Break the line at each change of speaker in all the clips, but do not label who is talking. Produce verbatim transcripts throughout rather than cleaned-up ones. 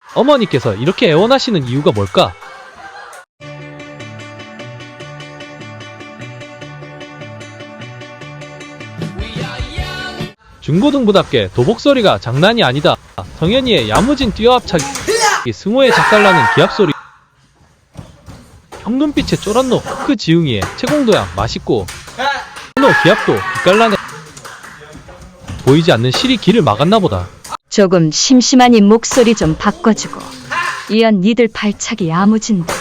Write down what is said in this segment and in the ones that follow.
어머니께서 이렇게 애원하시는 이유가 뭘까? 중고등부답게 도복소리가 장난이 아니다. 성현이의 야무진 뛰어합차기, 승호의 작달나는 기합소리, 형 눈빛에 쫄았노. 그 지웅이의 채공도양 맛있고 노 기합도 빛깔나네. 보이지 않는 실이 길을 막았나보다.
조금 심심하니 목소리 좀 바꿔주고. 이연 니들 발차기 야무진다.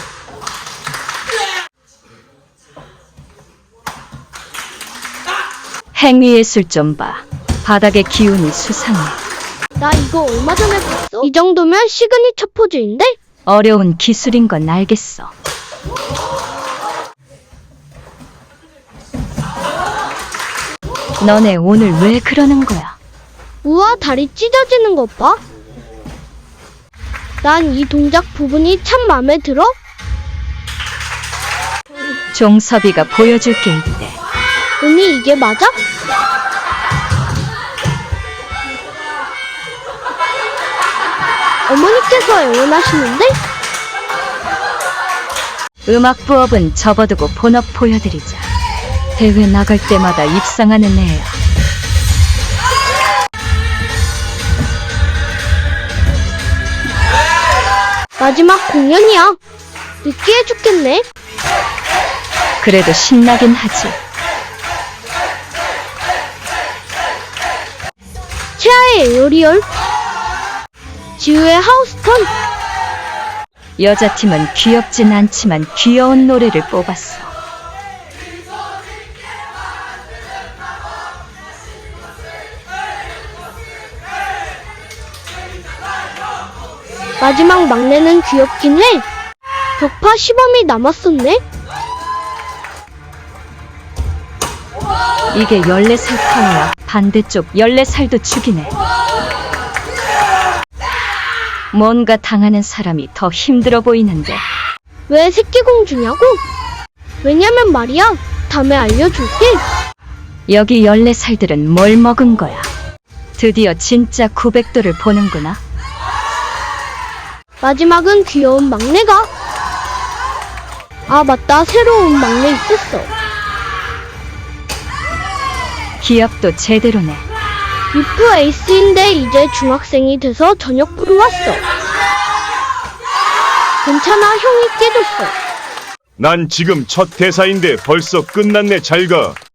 행위예술 좀 봐. 바닥의 기운이 수상해.
나 이거 얼마 전에 봤어. 이 정도면 시그니처 포즈인데?
어려운 기술인 건 알겠어. 너네 오늘 왜 그러는 거야?
우와, 다리 찢어지는 것 봐. 난 이 동작 부분이 참 마음에 들어.
종섭이가 보여줄 게 있대.
언니, 이게 맞아? 어머니께서 애원하시는데?
음악 부업은 접어두고 본업 보여드리자. 대회 나갈 때마다 입상하는 애야.
마지막 공연이야. 느끼해 죽겠네.
그래도 신나긴 하지.
채아의 에어리얼, 지우의 하우스턴.
여자팀은 귀엽진 않지만 귀여운 노래를 뽑았어.
마지막 막내는 귀엽긴 해. 벽파 시범이 남았었네.
이게 열네 살 파워야. 반대쪽 열네 살도 죽이네. 뭔가 당하는 사람이 더 힘들어 보이는데.
왜 새끼공주냐고? 왜냐면 말이야. 다음에 알려줄게.
여기 열네 살들은 뭘 먹은 거야? 드디어 진짜 구백 도를 보는구나.
마지막은 귀여운 막내가. 아, 맞다. 새로운 막내 있었어.
기합도 제대로네.
유프 에이스인데 이제 중학생이 돼서 저녁부로 왔어. 괜찮아, 형이 깨줬어.
난 지금 첫 대사인데 벌써 끝났네. 잘 가.